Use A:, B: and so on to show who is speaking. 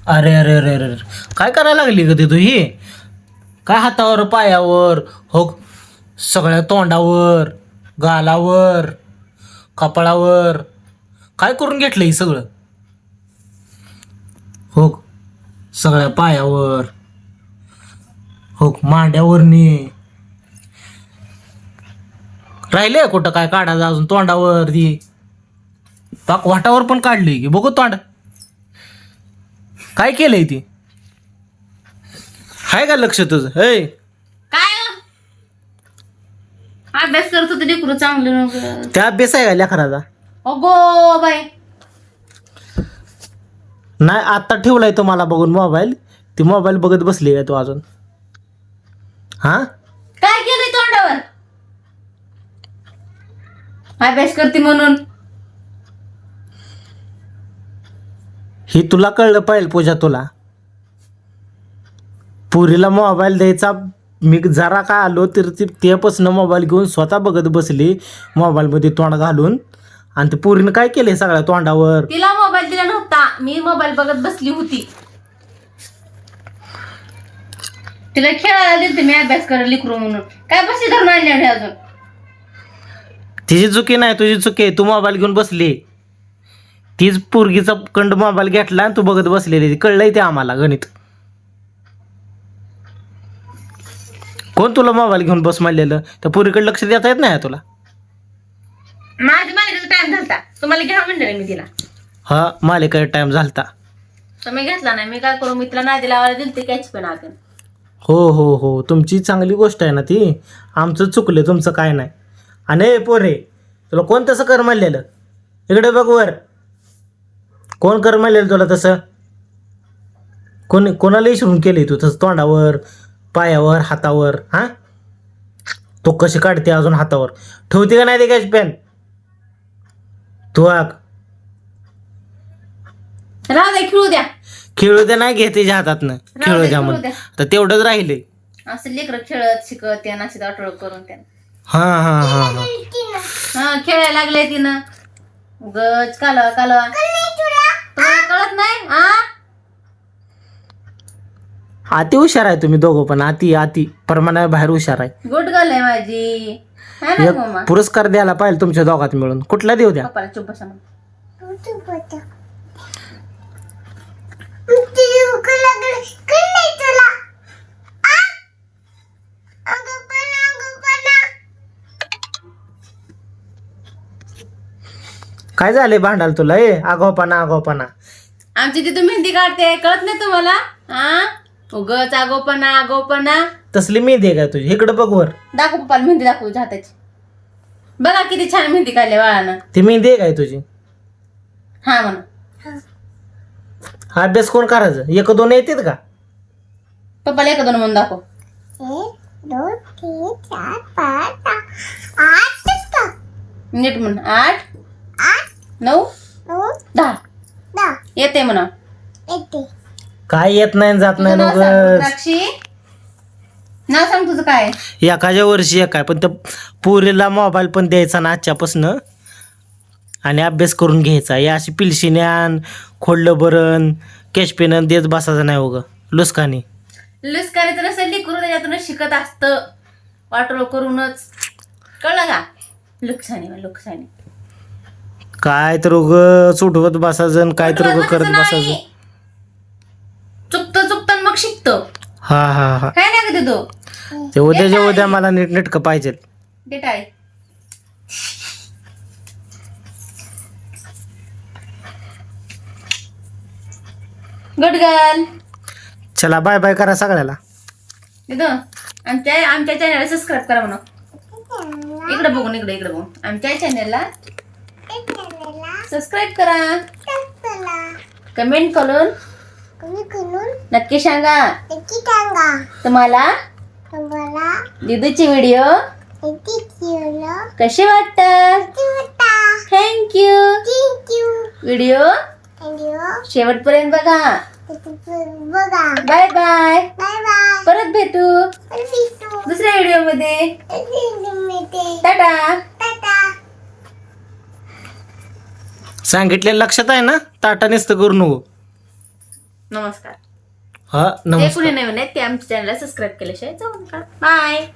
A: अरे अरे अरे अरे अरे. काय करायला लागली ग ती तू ही काय हातावर पायावर हो सगळ्या तोंडावर गालावर कपाळावर काय करून घेतलं ही सगळं हो सगळ्या पायावर हो मांड्यावरनी राहिले कुठं काय काढायचं अजून तोंडावर ती पाक वाटावर पण काढली की बघू तोंड काय केलंय ती हाय का लक्ष तुझं हे
B: काय हो? अभ्यास करत होते लेकरू चांगलं नको.
A: त्या अभ्यास आहे का लेकराचा
B: अगो बाय
A: नाही आता ठेवलाय तो मला बघून मोबाईल ती मोबाईल बघत बसली आहे तू अजून हा
B: काय केलंय तोंडावर अभ्यास करते म्हणून
A: हे तुला कळलं पाहिजे पूजा तुला पुरीला मोबाईल द्यायचा मी जरा का आलो तर ती तेपासून मोबाईल घेऊन स्वतः बघत बसली मोबाईलमध्ये तोंड घालून आणि ते पुरीनं काय केलंय सगळ्या तोंडावर
B: तिला मोबाईल दिला नव्हता मी मोबाईल बघत बसली होती तिला खेळायला दिलते मी अभ्यास करायला लिकरू म्हणून काय बसली धरून आणले अजून
A: तिची चुकी नाही तुझी चुकी आहे तू मोबाईल घेऊन बसली तीच पोरगीचा कंड मोबाईल घेतला आणि तू बघत बसलेली कळलंय ते आम्हाला गणित कोण तुला मोबाईल घेऊन बस म्हणलेलं त्या पोरीकडे लक्ष देता येत नाही तुला
B: माझ्या टाइम झालता तुम्हाला घ्या म्हणलं मी तिला
A: हा मालिका टाइम झालता
B: तुम्ही घेतला नाही मी काय करू मी तिला नादी लावायला दिलते कॅच पण आपण
A: हो हो हो तुमची चांगली गोष्ट आहे ना ती आमचं चुकलं तुमचं काय नाही आणि ए पोरे तुला कोण तसं कर म्हणलेलं इकडे बघ वर कोण कर म्हणलेलं तुला तसं कोणाला इशरून केली तू तसं तोंडावर पायावर हातावर हां तो कशी काढते अजून हातावर ठेवते का नाही ते कॅच पेन तू आग
B: राहू द्या खेळू द्या
A: खेळू दे नाही घेते हातातनं खेळू द्या म्हणून तर तेवढंच राहिले
B: असं लेकरं खेळत शिकत त्यांना अशी अटळ करून त्यांना
A: हां हां हां हां
B: हा खेळायला लागले तिनं गज कालवा कालवा तुम्हाला कळत नाही हा
A: अति हुशार आहे तुम्ही दोघं पण अति परमाना बाहेर हुशार आहे
B: गुड गर्ल आहे माझी है ना मम्मा
A: एक पुरस्कार द्यायला पाहिजे तुमच्या दोघात मिळून कुठला देऊ द्या
B: पप्पाला चुप बसा म्हणून
A: काय झाले भांडाल तुला ए आगावपणा
B: आमची तिथं मेहंदी काढते कळत नाही तुम्हाला हा उगच आगोपणा
A: तसली मेहंदी आहे काय तुझी इकडे बघ वर
B: दाखव पप्पाला मेहंदी दाखवू हाताची बघा किती छान मेहंदी काढली बाळानं
A: ती मेहंदी आहे काय तुझी
B: हा म्हणा
A: हा अभ्यास कोण करायचं एक दोन येतात का
B: पप्पाला एक दोन म्हणून दाखव
C: 1 2 3 4 5 6
B: नीट म्हण 8 9 10 येते म्हणा
A: काय येत नाही जात नाही
B: तुझं नाव सांग,
A: उगाच.
B: द्राक्षी नाव सांग तुझं काय
A: एखाद्या वर्षी एक आहे पण त्या पोरीला मोबाईल पण द्यायचा ना आजच्यापासनं आणि अभ्यास करून घ्यायचा या अशी पिलशिन्यान खोडलं बरण कॅशपेन देत बसायचं नाही उगं लुसकानी
B: लुस्कारीचं नसेल लिकरू त्याच्यातूनच शिकत असतं वाटोळ करूनच कळलं का लुकसानी
A: काय तर उग सुटवत बसायचं काय तर उगं करत बसायचं
B: चुकतं मग शिकतो
A: हा हा हा
B: काय नाही का तो
A: ते उद्याच्या उद्या मला नीटनेटकं पाहिजे
B: डेट आहे गुड गर्ल
A: चला बाय बाय करा सगळ्याला
B: तिथं आमच्या चॅनलला सबस्क्राईब करा म्हणा इकडे बघून आमच्या चॅनलला सबस्क्राईब करा कमेंट करून नक्की सांगा तुम्हाला दीदूचे व्हिडिओ कसे वाटतात थँक्यू व्हिडिओ शेवटपर्यंत बघा बाय बाय परत भेटू दुसऱ्या व्हिडिओ मध्ये टाटा
A: सांगितलेलं लक्षात आहे ना ताटा नुसतं करू नको
B: नमस्कार.
A: हा
B: जे
A: नमस्कार.
B: कुणी नवीन आहेत ते आमच्या चॅनलला सबस्क्राईब केल्याशिवाय जाऊ नका. बाय.